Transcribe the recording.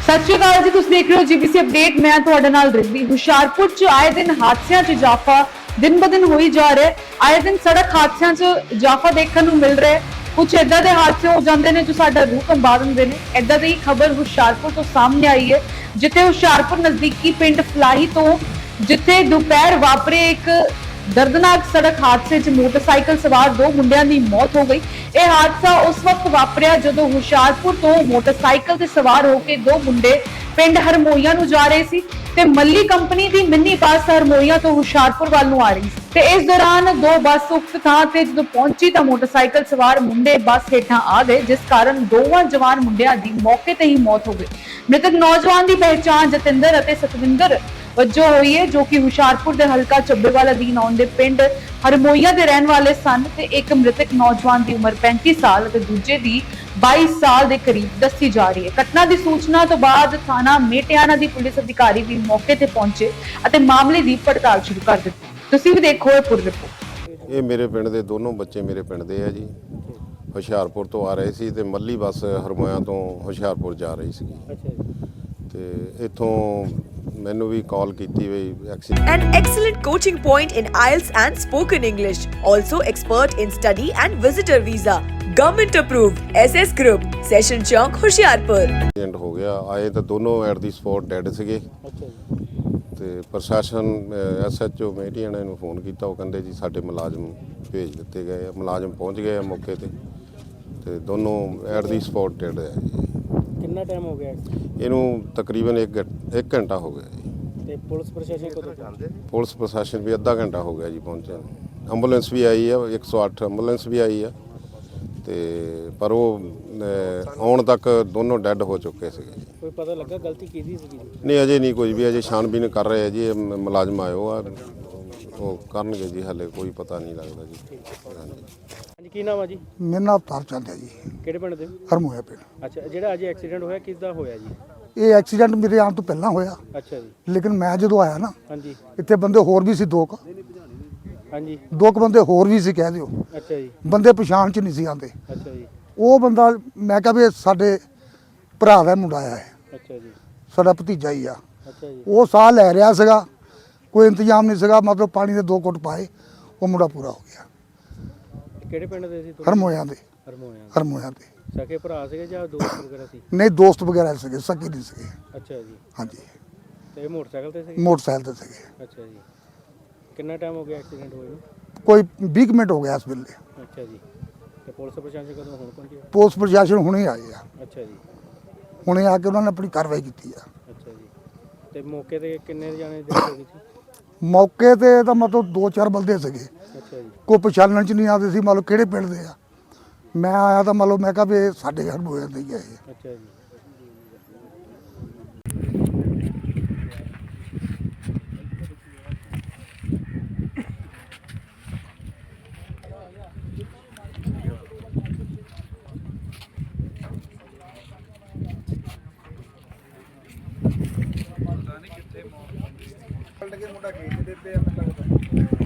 सत श्री अकाल जी, तुसीं देख रहे हो जीबीसी अपडेट। मैं तुहाडे नाल रिद्धि। हुशियारपुर च आए दिन हादसियां च इजाफा दिन ब दिन होई जा रहा है। आए दिन सड़क हादसियां च इजाफा देखने को मिल रहा है। कुछ इदां दे हादसे हो जाते हैं जो साडा रूह कंबा दिंदे ने। इदां दी खबर हुशियारपुर तो सामने आई है, जिथे हुशियारपुर नजदीकी पिंड फलाही तो जिथे दोपहर वापरे एक दर्दनाक सड़क हादसे च मोटरसाइकिल सवार दो मुंडियां दी मौत हो गई। यह हादसा उस वक्त वापरिया जदों हुशियारपुर तो मोटरसाइकिल ते सवार होकर दो मुंडे पिंड हरमोईया नूं जा रहे सी ते मल्ली कंपनी दी मिनी बस हरमोईया तो हुशियारपुर वाल नूं आ रही सी ते इस दौरान दो बस उक्त थां ते जदों पहुंची तां मोटरसाइकिल सवार मुंडे बस हेठां आ गए, जिस कारण दोवां जवान मुंडियां दी मौके ते ही मौत हो गई। मृतक नौजवान की पहचान जतिंदर अते सतविंदर वजों हुई है, जो कि हुशियारपुर के हलका ਚੱਬੇਵਾਲ अधीन आउंदे पिंड हरमोईया के रहने वाले सन ते एक मृतक नौजवान की उम्र 35 साल ते दूजे की 22 साल के करीब दसी जा रही है। घटना की सूचना तो बाद थाना मेटियाना की पुलिस अधिकारी भी मौके ते पहुंचे अते मामले की पड़ताल शुरू कर दी। तुसीं भी देखो ये पूरी रिपोर्ट। ये मेरे पिंड के दोनों बच्चे मेरे पिंड के है जी। हुशियारपुर तो आ रहे सी ते मल्ली बस हरमोया तो हुशियारपुर जा रही सी ते इथों मैनू भी कॉल की An excellent coaching point in IELTS and spoken English. Also expert in study and visitor visa. Government approved. SS Group. Session Chowk, Hoshiarpur. Accident हो गया। आए तो दोनों एट दी स्पॉट डेड सीगे ते प्रशासन SHO मेटियाना नूं फोन किया, वो कहंदे जी साडे मुलाजम भेज दिते गए। मुलाजम पहुंच गए मौके ते दोनों एट दी स्पॉट डेड है जी। कितना टाइम हो गया इनू तकरीबन एक घंटा हो गया जी। ते पुलिस प्रशासन को जानते पुलिस प्रशासन भी अद्धा घंटा हो गया जी पहुंचे। एंबूलेंस भी आई है, 108 एंबूलेंस भी आई है ते पर वो आउण तक दोनों डेड हो चुके थे। कोई पता लगा गलती की थी नहीं अजे नहीं कोई भी, अजे छानबीन कर रहे हैं जी। मुलाजम आए हो वो करनगे जी, हले कोई पता नहीं लगता जी। हाँ जी की नाम है जी? मेरा नाम अवतार चंद है जी, ਕਿਹੜੇ ਪਿੰਡ ਦੇ? ਹਰਮੋਇਆ ਪਿੰਡ। ਅੱਛਾ, ਜਿਹੜਾ ਅੱਜ ਐਕਸੀਡੈਂਟ ਹੋਇਆ ਕਿੱਦਾਂ ਹੋਇਆ ਜੀ? ਇਹ ਐਕਸੀਡੈਂਟ ਮੇਰੇ ਆਉਣ ਤੋਂ ਪਹਿਲਾਂ ਹੋਇਆ, ਅੱਛਾ ਜੀ। ਲੇਕਿਨ ਮੈਂ ਜਦੋਂ ਆਇਆ ਨਾ ਹਾਂਜੀ ਇੱਥੇ ਬੰਦੇ ਹੋਰ ਵੀ ਸੀ ਦੋ ਹਾਂਜੀ ਕੁ ਬੰਦੇ ਹੋਰ ਵੀ ਸੀ, ਕਹਿ ਦਿਓ। ਅੱਛਾ ਜੀ ਬੰਦੇ ਪਛਾਣ ਚ ਨਹੀਂ ਸੀ ਆਉਂਦੇ। ਅੱਛਾ ਜੀ ਉਹ ਬੰਦਾ ਮੈਂ ਕਿਹਾ ਵੀ ਇਹ ਸਾਡੇ ਭਰਾ ਦਾ ਮੁੰਡਾ ਆਇਆ ਹੈ, ਅੱਛਾ ਜੀ ਸਾਡਾ ਭਤੀਜਾ ਹੀ ਆ। ਅੱਛਾ ਜੀ ਉਹ ਸਾਹ ਲੈ ਰਿਹਾ ਸੀਗਾ, ਕੋਈ ਇੰਤਜ਼ਾਮ ਨਹੀਂ ਸੀਗਾ, ਮਤਲਬ ਪਾਣੀ ਦੇ 2 ਘੁੱਟ ਪਾਏ, ਉਹ ਮੁੰਡਾ ਪੂਰਾ ਹੋ ਗਿਆ। ਕਿਹੜੇ ਪਿੰਡ ਦੇ ਸੀ ਤੁਸੀਂ? ਹਰਮੋਇਆ ਦੇ। ਹਰਮੋਇਆ ਹਰਮੋਇਆ ਦੇ ਸਕੇ ਭਰਾ ਸੀਗੇ ਜਾਂ ਦੋਸਤ ਵਗੈਰਾ ਸੀ? ਨਹੀਂ, ਦੋਸਤ ਵਗੈਰਾ ਸੀਗੇ, ਸਕੇ ਨਹੀਂ ਸੀਗੇ। ਅੱਛਾ ਜੀ। ਹਾਂਜੀ, ਤੇ ਇਹ ਮੋਟਰਸਾਈਕਲ ਤੇ ਸੀ? ਮੋਟਰਸਾਈਕਲ ਤੇ ਸੀਗੇ। ਅੱਛਾ ਜੀ। ਕਿੰਨਾ ਟਾਈਮ ਹੋ ਗਿਆ ਐਕਸੀਡੈਂਟ ਹੋਏ ਨੂੰ? ਕੋਈ 20 ਕੁ ਮਿੰਟ ਹੋ ਗਿਆ ਇਸ ਵੇਲੇ। ਅੱਛਾ ਜੀ। ਤੇ ਪੁਲਿਸ ਪ੍ਰਸ਼ਾਸਨ ਕਦੋਂ ਹੁਣ ਪਹੁੰਚਿਆ? ਪੁਲਿਸ ਪ੍ਰਸ਼ਾਸਨ ਹੁਣੇ ਆਏ ਆ, ਅੱਛਾ ਜੀ। ਹੁਣੇ ਆ ਕੇ ਉਹਨਾਂ ਨੇ ਆਪਣੀ ਕਾਰਵਾਈ ਕੀਤੀ ਆ। ਅੱਛਾ ਜੀ। ਤੇ ਮੌਕੇ ਤੇ ਕਿੰਨੇ ਜਾਣੇ ਦੇ ਹੋ ਗਏ ਸੀ? ਮੌਕੇ ਤੇ ਤਾਂ ਮਤਲਬ 2-4 ਬੰਦੇ ਸੀਗੇ, ਅੱਛਾ ਜੀ। ਕੋਈ ਪਛਾਣਨ ਚ ਨਹੀਂ ਆਉਂਦੇ ਸੀ, ਮਤਲਬ ਕਿਹੜੇ ਪਿੰਡ ਦੇ ਆ। ਮੈਂ ਆਇਆ ਤਾਂ ਮਤਲਬ ਮੈਂ ਕਿਹਾ ਵੀ ਇਹ ਸਾਡੇ ਘਰ ਹੋਏ ਦੇ ਹੀ ਆ ਇਹ। ਅੱਛਾ ਜੀ। ਮੁੰਡਾ ਗੇਟ ਦੇ ਤੇ ਮੈਨੂੰ ਲੱਗਦਾ